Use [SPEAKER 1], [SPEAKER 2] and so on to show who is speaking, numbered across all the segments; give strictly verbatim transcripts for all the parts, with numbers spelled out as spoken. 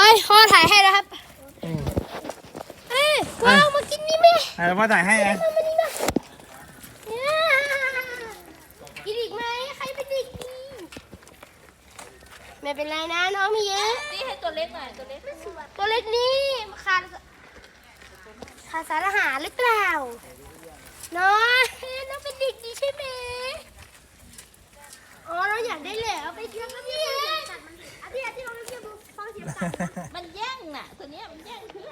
[SPEAKER 1] พ่อถ่ายให้นะครับเอ้ยว้าวมากินนี่ไหม
[SPEAKER 2] อ่ะพ่อถ่ายให้นะ
[SPEAKER 1] มานี่มากินอีกไหมใครเป็นเด็กดีไม่เป็นไรนะน้องมีเยอะ
[SPEAKER 3] นี่ให้ตัวเล็กหน่อยตัวเล็ก
[SPEAKER 1] ตัวเล็กนี่ขาดขาดสารอาหารหรือเปล่าน้องน้องเป็นเด็กดีใช่ไหมอ๋อเราอยากได้เหลวไปเที่ยวกันพี่อาทิตย์อาทิตย์เราไปเที่ยวดูฟังเสียงสัตว์
[SPEAKER 3] มันแย่งน่ะตัวเนี้ยมันแย่งเพื่อน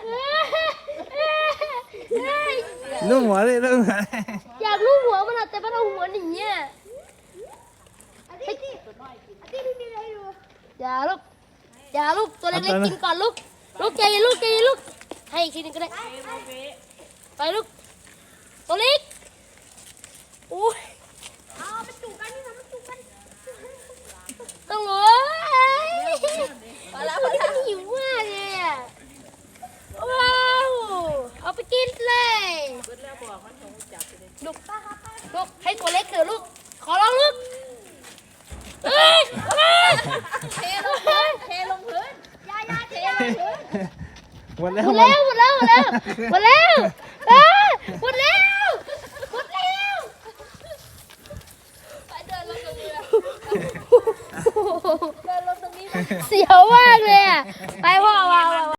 [SPEAKER 2] ลูกหัวเลยลูกหัว
[SPEAKER 1] อยากลูบหัวมันอะแต่มันเอาหัวหนีอ่ะอาทิตย์อาทิตย์ไม่มีอะไรดูอย่าลูกอย่าลูกตัวเล็กๆกินก่อนลูกลูกใจเย็นลูกใจเย็นลูกให้อีกทีหนึงก็ได้ไปลูกตัวเล็กอุ้ยเอาไปจุกันนี่ทำไปจุกันต้องโว้ย
[SPEAKER 3] พอแล้วพอแล้ว
[SPEAKER 1] หิวมากเลยอ่ะว้าวเอาไปกินเลยลูกลูกให้ตัวเล็กเถอะลูกขอร้องลูกเฮ้ยเฮ้ย
[SPEAKER 3] เทลงพื้นเทลงพื้น
[SPEAKER 1] ยายาเทลงพื้น
[SPEAKER 2] หมดแล้ว
[SPEAKER 1] หมดแล้วหมดแล้วหมดแล้วหมดแล้วเอ้ยหมดแล้วหมดแล้ว
[SPEAKER 3] ไปเดินลงตรงนี้เดินลงตรงนี้
[SPEAKER 1] เสียวมากเลยอ่ะไปพ่อวาง